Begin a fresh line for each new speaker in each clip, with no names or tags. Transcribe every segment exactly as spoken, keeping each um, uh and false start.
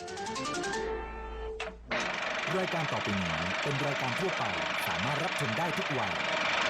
รายการต่อไปนี้เป็นรายการทั่วไปสามารถรับชมได้ทุกวัย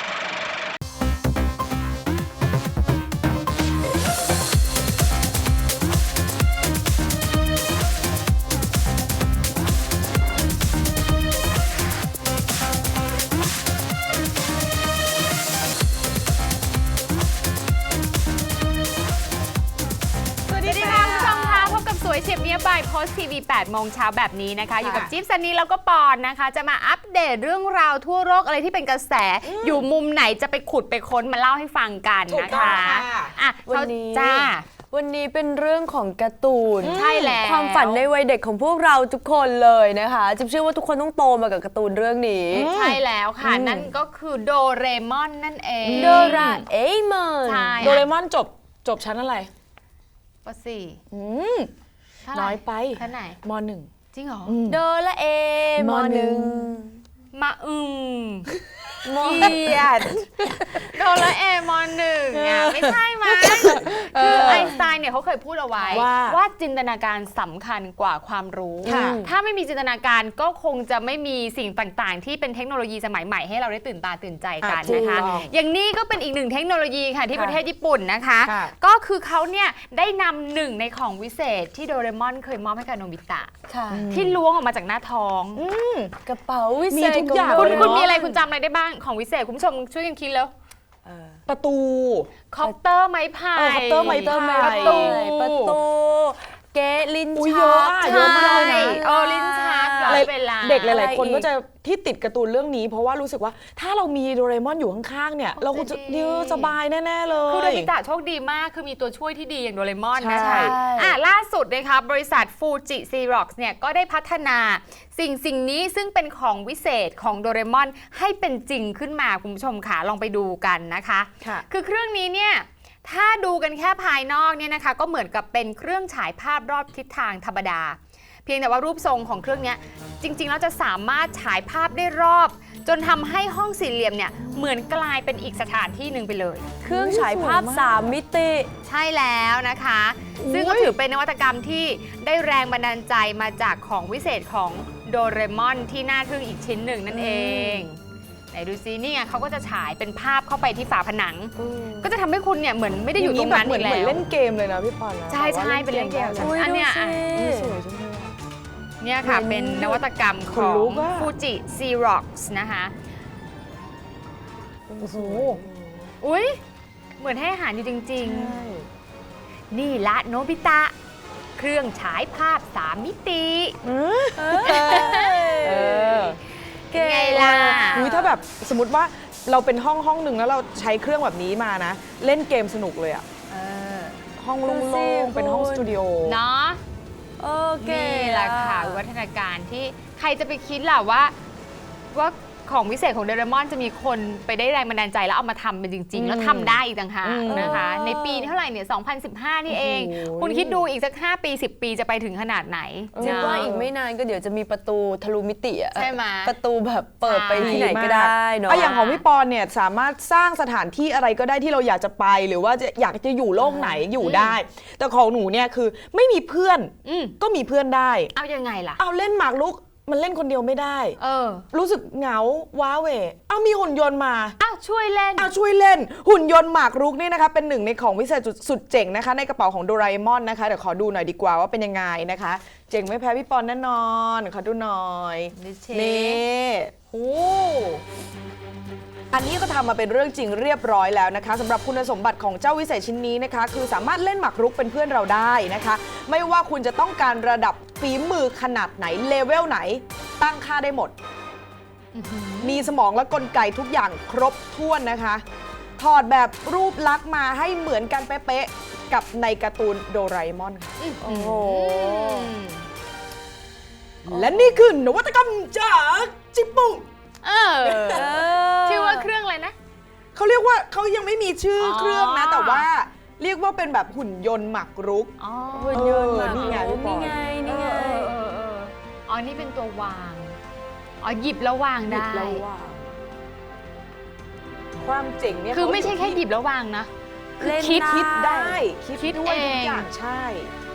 สวยเฉียบเนี้ยบ่ายโพสทีวีแปดโมงเช้าแบบนี้นะคะอยู่กับจิ๊บซันนี่แล้วก็ปอนนะคะจะมาอัปเดตเรื่องราวทั่วโลกอะไรที่เป็นกระแส อ, อยู่มุมไหนจะไปขุดไปค้นมาเล่าให้ฟังกันนะคะอ่ะวันนี้จ้า
วันนี้เป็นเรื่องของการ์ตูน
ใช่แล้ว
ความฝันในวัยเด็กของพวกเราทุกคนเลยนะคะจิ๊บเชื่อว่าทุกคนต้องโตมากับการ์ตูนเรื่องนี้
ใช่แล้วค่ะนั่นก็คือโดเรมอนนั่นเอง
โดราเอมอน
โดเรมอนจบจบชั้นอะไร
ป.สี่
อืมน้อยไป
ชั้นไหน
ม.หนึ่ง
จริงเหรอ
โดราเอมอนหนึ่ง
มาอึมมอเกียดโดราเอมอนหนึ่งอ่ะไม่ใช่มั้ยคือไอน์สไตน์เนี่ยเขาเคยพูดเอาไว้ว่าจินตนาการสำคัญกว่าความรู้ถ้าไม่มีจินตนาการก็คงจะไม่มีสิ่งต่างๆที่เป็นเทคโนโลยีสมัยใหม่ให้เราได้ตื่นตาตื่นใจกันนะคะอย่างนี้ก็เป็นอีกหนึ่งเทคโนโลยีค่ะที่ประเทศญี่ปุ่นนะคะก็คือเขาเนี่ยได้นำหนึ่งในของวิเศษที่โดเรมอนเคยมอบให้กับโนบิตะที่ล้วงออกมาจากหน้าท้อง
กระเป๋าวิเศษ
มีทุกอย่าง
คุณคุณมีอะไรคุณจำอะไรได้บ้างของวิเศษคุณผู้ชมช่วยกันคิดแล้ว
ประตู
คอปเตอร์ไม้พาย
คอปเตอร์ไม้พาย
ประตู
ประตูเกลิ้น
ชัก
เยอะมากเลยนะโอ้ลิ้นชัก
เด็กหลายๆคนก็จะที่ติดการ์ตูนเรื่องนี้เพราะว่ารู้สึกว่าถ้าเรามีโดเรมอนอยู่ข้างๆเนี่ยเราคงจะยืดสบายแน่ๆเลย
คือโดบิตะโชคดีมากคือมีตัวช่วยที่ดีอย่างโดเรมอนนะคะอ่ะล่าสุดนะคะบริษัทฟูจิซีร็อกซ์เนี่ยก็ได้พัฒนาสิ่งสิ่งนี้ซึ่งเป็นของวิเศษของโดเรมอนให้เป็นจริงขึ้นมาคุณผู้ชมค่ะลองไปดูกันนะคะคือเครื่องนี้เนี่ยถ้าดูกันแค่ภายนอกเนี่ยนะคะก็เหมือนกับเป็นเครื่องฉายภาพรอบทิศทางธรรมดาเพียงแต่ว่ารูปทรงของเครื่องนี้จริงๆแล้วจะสามารถฉายภาพได้รอบจนทำให้ห้องสี่เหลี่ยมเนี่ยเหมือนกลายเป็นอีกสถานที่หนึ่งไปเลย
เครื่องฉายภาพสามมิติ
ใช่แล้วนะคะซึ่งก็ถือเป็นนวัตกรรมที่ได้แรงบันดาลใจมาจากของวิเศษของโดเรมอนที่น่าทึ่งอีกชิ้นหนึ่งนั่นเองไหนดูซินี่ไงเขาก็จะฉายเป็นภาพเข้าไปที่ฝาผนังก็จะทำให้คุณเนี่ยเหมือนไม่ได้อยู่ตรงนั้นอีกแล้ว
เหมือนเล่นเกมเลยนะพี่ปอนนะ
ใช่ใช่เป็นเล่นเกมอันเนี้ย
สวยจังเลย
เนี่ยค่ะเป็นนวัตกรรมของฟูจิซีร็อกซ์นะคะ
โอ้โห
อุ้ยเหมือนให้อาหารอยู่จริงๆนี่ละโนบิตะเครื่องฉายภาพสามมิติไงล่ะ
อุ้ยถ้าแบบสมมติว่าเราเป็นห้องห้องหนึ่งแล้วเราใช้เครื่องแบบนี้มานะเล่นเกมสนุกเลยอะห้องโล่งๆเป็นห้องสตูดิโอ
เนาะโอเคแหละค่ะวิวัฒนาการที่ใครจะไปคิดล่ะว่าว่าของวิเศษของโดเรมอนจะมีคนไปได้แรงบันดาลใจแล้วเอามาทำเป็นจริงๆแล้วทำได้อีกต่างหากนะคะในปีเท่าไหร่เนี่ยสองพันสิบห้านี่เองคุณคิดดูอีกสักห้าปีสิบปีจะไปถึงขนาดไหน
คิดว่าอีกไม่นานก็เดี๋ยวจะมีประตูทะลุมิติอะ
ใช่ไหม
ประตูแบบเปิดไปที่ไหนก็ได้เนาะ
อย่างของพี่ปอนเนี่ยสามารถสร้างสถานที่อะไรก็ได้ที่เราอยากจะไปหรือว่าจะอยากจะอยู่โลกไหนอยู่ได้แต่ของหนูเนี่ยคือไม่มีเพื่อนก็มีเพื่อนได้
เอายังไงล่ะ
เอาเล่นหมากรุกมันเล่นคนเดียวไม่ได้
เออ
รู้สึกเหงาว้าเหวเอามีหุ่นยนต์มา
อ้าวช่วยเล่น
อ้าวช่วยเล่นหุ่นยนต์หมากรุกนี่นะคะเป็นหนึ่งในของวิเศษสุดเจ๋งนะคะในกระเป๋าของโดราเอมอนนะคะเดี๋ยวขอดูหน่อยดีกว่าว่าเป็นยังไงนะคะเจ๋งไม่แพ้พี่ปอนแน่นอนขอดูหน่อยนี่โอ้อันนี้ก็ทำมาเป็นเรื่องจริงเรียบร้อยแล้วนะคะสำหรับคุณสมบัติของเจ้าวิเศษชิ้นนี้นะคะคือสามารถเล่นหมากรุกเป็นเพื่อนเราได้นะคะไม่ว่าคุณจะต้องการระดับฝีมือขนาดไหนเลเวลไหนตั้งค่าได้หมดมีสมองและกลไกทุกอย่างครบถ้วนนะคะถอดแบบรูปลักษณ์มาให้เหมือนกันเป๊ะๆกับในการ์ตูนโดราเอมอนโอ้โหและนี่คือนวัตกรรมจากจิปุ
เออชื่อว่าเครื่องอะไรนะ
เขาเรียกว่าเขายังไม่มีชื่อเครื่องนะแต่ว่าเรียกว่าเป็นแบบหุ่นยนต์หมากรุก
หุ่นยนต์นี่ไงนี่ไงนี่ไง
อ๋อนี่เป็นตัววางอ๋อหยิบแล้ววางได้
ความเจ๋งเนี่ย
คือไม่ใช่แค่หยิบแล้ววางนะ
คือคิดคิดได้คิดด้วยทุกอย่างใช่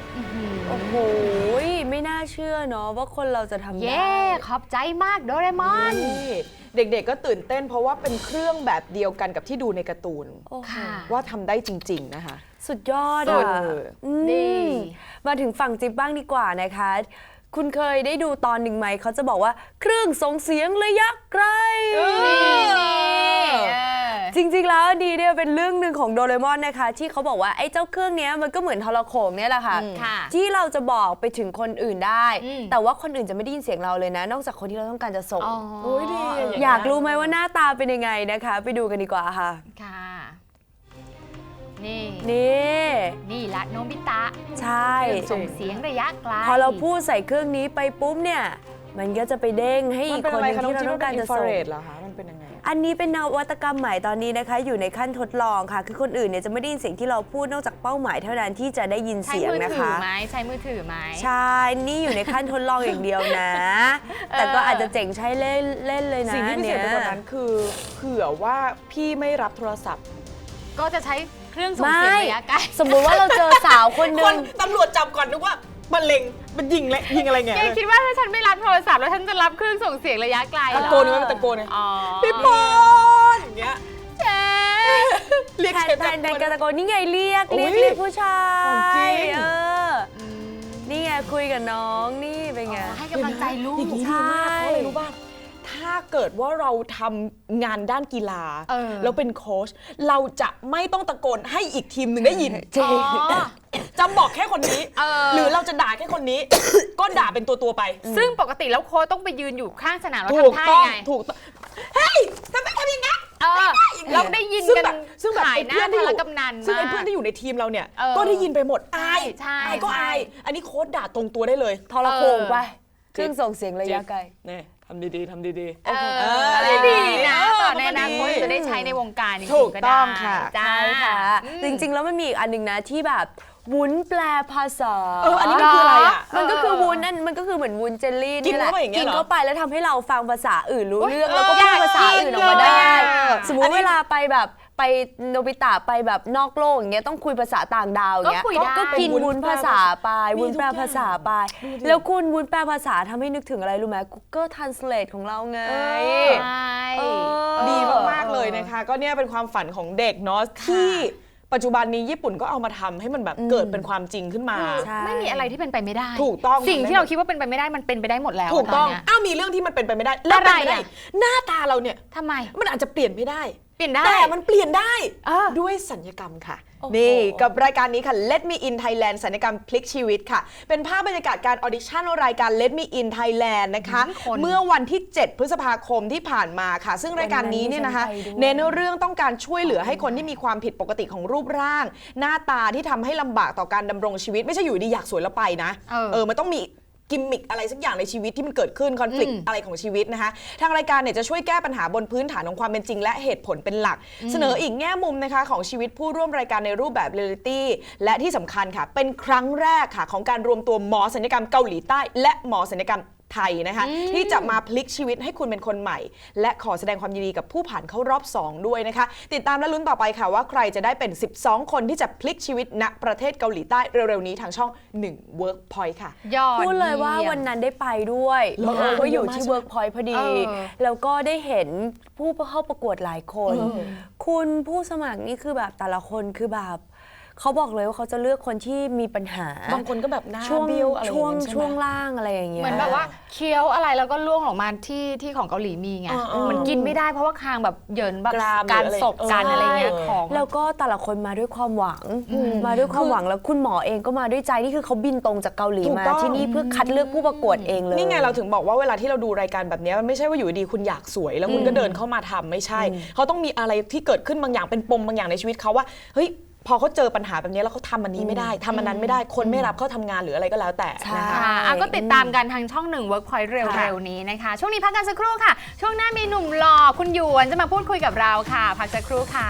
โอ้โหไม่น่าเชื่อเนาะว่าคนเราจะทำได้
เย้ขอบใจมากโดเรมอน
นี่เด็กๆก็ตื่นเต้นเพราะว่าเป็นเครื่องแบบเดียวกันกับที่ดูในการ์ตูน
โอ้โห
ค่ะ
ว่าทำได้จริงๆนะคะ
สุดยอด
สุ
อ่ะ
ด
อืม
ดี
มาถึงฝั่งจิ๊บบ้างดีกว่านะคะ คุณเคยได้ดูตอนหนึ่งไหมเขาจะบอกว่าเครื่องส่งเสียงระยะไกล
นี่นี่เออ
จริงๆแล้วดีเนี่ยเป็นเรื่องหนึ่งของโดเรมอนนะคะ ที่เขาบอกว่าไอ้เจ้าเครื่องเนี้ยมันก็เหมือนโทรโขงเนี่ยแหละค่ะ
ค่ะ
ที่เราจะบอกไปถึงคนอื่นได้
อืม
แต่ว่าคนอื่นจะไม่ได้ยินเสียงเราเลยนะ นอกจากคนที่เราต้องการจะส่ง
อ๋อ
โอ้ยดีอย่างนั้น
อยากรู้ไหมว่าหน้าตาเป็นยังไงนะคะ ไปดูกันดีกว่าค่ะ
ค่ะ นี่
นี่
นี่ละโนบิตะ
ใช่
ส่งเสียงระยะไกล
พอเราพูดใส่เครื่องนี้ไปปุ๊บเนี่ยมันก็จะไปเด้งให้
มั
อี
น
ก
เป็น
คน
อะไร
หนึง
คะน้อง
ที่เรา
จิ๊บ
ต้องการ
เป็น
จะ
อินฟรา
ส่ง
เรดเหรอคะมันเป็นยังไงอะ
อันนี้เป็นนวัตกรรมใหม่ตอนนี้นะคะ อยู่ในขั้นทดลองค่ะ คือคนอื่นเนี่ยจะไม่ได้ยินเสียงที่เราพูดนอกจากเป้าหมายเท่านั้นที่จะได้ยิน
ใช้
เสียง
มือ
นะ
ถือ
คะ
ไหมใช้มือถือไหม
ใช่นี่อยู่ในขั้นทดลองอย่างเดียวนะ แต่ก็อาจจะเจ๋งใช้เล่นเล่นเลยนะ
สิ่งที่พิเศษไปกว่านั้น
ย
คือเผื่อว่าพี่ไม่รับโทรศัพท์
ก็จะใช้เครื่องส่งเสียงระยะไกล
สมมุติว่าเราเจอสาวคนห
ค
นึ่
น
ง
ตำรวจจับก่อนนึกว่ามันเล็งมันยิงและยิงอะไรเงี้ย
แกคิดว่าถ้าฉันไม่รับโทรศัพท์แล้วฉันจะรับเครื่องส่งเสียงระยะไกลเหร
ตะ
อ
โกนนี่มันตะโกนเลย
อ๋อ
พี่ปอนอย่างเงี้ย
เจ๊
เรียก
แทน
เชฟ
แท
ตะ
น
โก
ใน
น
การตะโกนนี่ไงเรียก
โอ้
เรี
ย
ยกเรียกผู้ชา
ของจริ
ย
ง
เออนี่ไงคุยกับน้องนี่เป็นไง
ให้กำลังใจลูก
อย่างนี้ดีมากเพราะอะไรรู้ป่ะถ้าเกิดว่าเราทำงานด้านกีฬา
เออ
แล้วเป็นโค้ชเราจะไม่ต้องตะโกนให้อีกทีมหนึ่งได้ยิน
จริง
อ๋อ
จะบอกแค่คนนี้
เออ
หรือเราจะด่าแค่คนนี้ ก็ด่าเป็นตัวตัวๆไป
ซึ่งปกติแล้วโค้ชต้องไปยืนอยู่ข้างสนามแล้ว
ถูก
ทำท่า
ต้อง
ยังไง
ถูกต้องเฮ้ยทำไมทำอย่างนั้น
เออเราได้ยิน
ซึ่ง
กัน
แบบซึ่งแบบ
หาย
ไอ้
หน้า
เพื่อนที่
ทา
อยู่
รกำนัน
ซึ่งไอ้
มาก
เพื่อนที่อยู่ในทีมเราเนี่ย
เออ
ก็ได้ยินไปหมดอาย
ใช่
อายก็
ใช่
อาย อันนี้โค้ชด่าตรงตัวได้เลย
ทรโขงไปเครื่องส่งเสียงระยะไกล
นี่ทำดีๆทำดี
เออ
เออ
ได้ดีนะ
เออ
ต่อในอนาคต
มันก็ดี
จะได้ใช้ในวงการจริงๆ
ถูก
ก็ได้
ต้องค่ะ
จ้า
ใช่ค่ะ
อืม
จริงๆ แล้วมันมีอีกอันหนึงนะที่แบบวุ้นแปลภาษา
เอออันนี้มันคืออะไรอ่ะ
มันก็คือวุ้นนั่นมันก็คือเหมือนวุ้นเจลลี่
กิน
นี่แหละ
เข้าไปอย่างเงี้ย
กิน
เหรอ
เข้าไปแล้วทำให้เราฟังภาษาอื่นรู้เรื่อง
เออ
แล้วก็พูดภาษาอื่นออกมาได้
อยากกินเลยอะ
สมมุติเวลาไปแบบไปโนบิตะไปแบบนอกโลกอย่างเงี้ยต้องคุยภาษาต่างดาวอย่างเงี้ย
ก็คุยได้
ก็กินวุ้นภาษาไป
มี
วุ้นแปล
ทุกอย่าง
ภาษาไป แล้วคุณวุ้นแปลภาษาทำให้นึกถึงอะไรรู้ไหม Google Translate ของเราไง
เอ
ใช่
เออ
ดีมากๆเลยนะคะ ก็เนี่ยเป็นความฝันของเด็กเนาะที่ปัจจุบันนี้ญี่ปุ่นก็เอามาทำให้มันแบบเกิดเป็นความจริงขึ้นมา
ใช่
ไม่มีอะไรที่เป็นไปไม่ได้
ถูกต้อง
สิ่งที่เราคิดว่าเป็นไปไม่ได้มันเป็นไปได้หมดแล้ว
ถูกต้อง
นเนี้ย
อ้าวมีเรื่องที่มันเป็นไปไม่ได้แล้วเป็นไปได้
อะไรอะ
หน้าตาเราเนี่ย
ทำไม
มันอาจจะเปลี่ยนไม่ได้
เปลี่ยนได้
แต่มันเปลี่ยนได้
เออ
ด้วยสัญญกรรมค่ะ
โอ้โห
นี่กับรายการนี้ค่ะ Let Me In Thailand สัญญกรรมพลิกชีวิตค่ะ เป็นภาพบรรยากาศการออดิชั่นรายการ Let Me In Thailand นะคะ
อืมคน
เมื่อวันที่ เจ็ด พฤษภาคมที่ผ่านมาค่ะ ซึ่งรายการนี้เนี่ยนะคะ
วันนั้นดิฉันไปด้วย
เน้นเรื่องต้องการช่วยเหลือให้คนที่มีความผิดปกติของรูปร่าง หน้าตาที่ทำให้ลำบากต่อการดำรงชีวิต ไม่ใช่อยู่ดีอยากสวยแล้วไปนะ
เออ
เออมันต้องมีกิมมิคอะไรสักอย่างในชีวิตที่มันเกิดขึ้นคอน FLICT
อืม
อะไรของชีวิตนะคะทางรายการเนี่ยจะช่วยแก้ปัญหาบนพื้นฐานของความเป็นจริงและเหตุผลเป็นหลัก เสนออีกแง่มุมนะคะของชีวิตผู้ร่วมรายการในรูปแบบเรียลลิตี้และที่สำคัญค่ะ เป็นครั้งแรกค่ะของการรวมตัวหมอศัลยกรรมเกาหลีใต้ และหมอศัลยกรรมไทยนะคะที่จะมาพลิกชีวิตให้คุณเป็นคนใหม่ และขอแสดงความยินดีกับผู้ผ่านเข้ารอบสองด้วยนะคะติดตามและลุ้นต่อไปค่ะว่าใครจะได้เป็น สิบสอง คนที่จะพลิกชีวิตณประเทศเกาหลีใต้เร็วๆนี้ทางช่องหนึ่ง Workpoint ค่ะ
ยอด
พูดเลยว่า
ยี่ม
วันนั้นได้ไปด้วย
เหรอ
เออก็อยู่
เยอะมาก
ที่
ใช่ไหม
Workpoint พอดี
เออ
แล้วก็ได้เห็นผู้เข้าประกวดหลายคน
เออ
คุณผู้สมัครนี่คือแบบแต่ละคนคือแบบเขาบอกเลยว่าเขาจะเลือกคนที่มีปัญหา
บางคนก็แบบหน้า
ช่วง
เบี้ยวอะไรอย่าง
ช่วง
เงี้ยใช่ไหม
ช่วงล่างอะไรอย่างเงี้ย
เหมือนแบบว่าเคี้ยวอะไรแล้วก็ล่วงออกมาที่ที่ของเกาหลีมีไง
เออเออ
มันกินไม่ได้เพราะว่าคางแบบเหยินแบบ
กราม
การ
หรืออะไร
ศพกัน
เอออ
อะไรเงี้ย
ใช่
ของ
แล้วก็แต่ละคนมาด้วยความหวัง มาด้วยความหวังแล้วคุณหมอเองก็มาด้วยใจนี่คือเขาบินตรงจากเกาหลี
ถูก
มา
ต้อง
ที่นี่เพื่อคัดเลือกผู้ประกวดเองเลย
นี่ไงเราถึงบอกว่าเวลาที่เราดูรายการแบบนี้มันไม่ใช่ว่าอยู่ดีๆคุณอยากสวย แล้วคุณก็เดินเข้ามาทำไม่ใช่ เขาต้องมีอะไรที่เกิดขึ้นบางอย่างเป็นปมบางอย่างในชีวิตเขาว่าเฮ้ยพอเขาเจอปัญหาแบบนี้แล้วเขาทำอันนี้ไม่ได้ทำอันนั้นไม่ได้คนไม่รับเขาทำงานหรืออะไรก็แล้วแต่
ใช่
นะคะ
ค่ะอ่ะก็ติดตามกันทางช่องหนึ่ง Workpoint เร็วๆนี้นะคะ ช่วงนี้พักกันสักครู่ค่ะ ช่วงหน้ามีหนุ่มหล่อคุณหยวนจะมาพูดคุยกับเราค่ะ พักสักครู่ค่ะ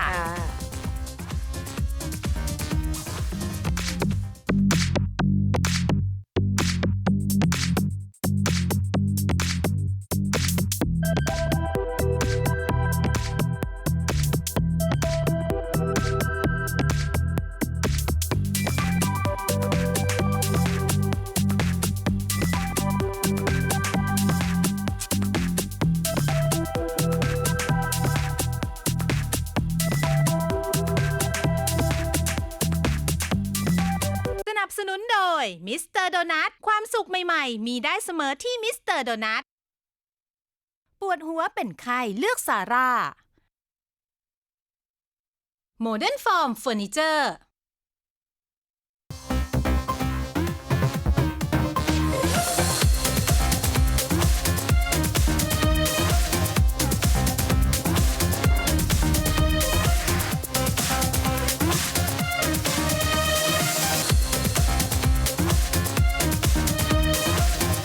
ร
บสนุนโดยมิสเตอร์โดนัทความสุขใหม่ๆมีได้เสมอที่มิสเตอร์โดนัทปวดหัวเป็นไข้เลือกซาร่าโมเดิร์นฟอร์มเฟอร์นิเจอร์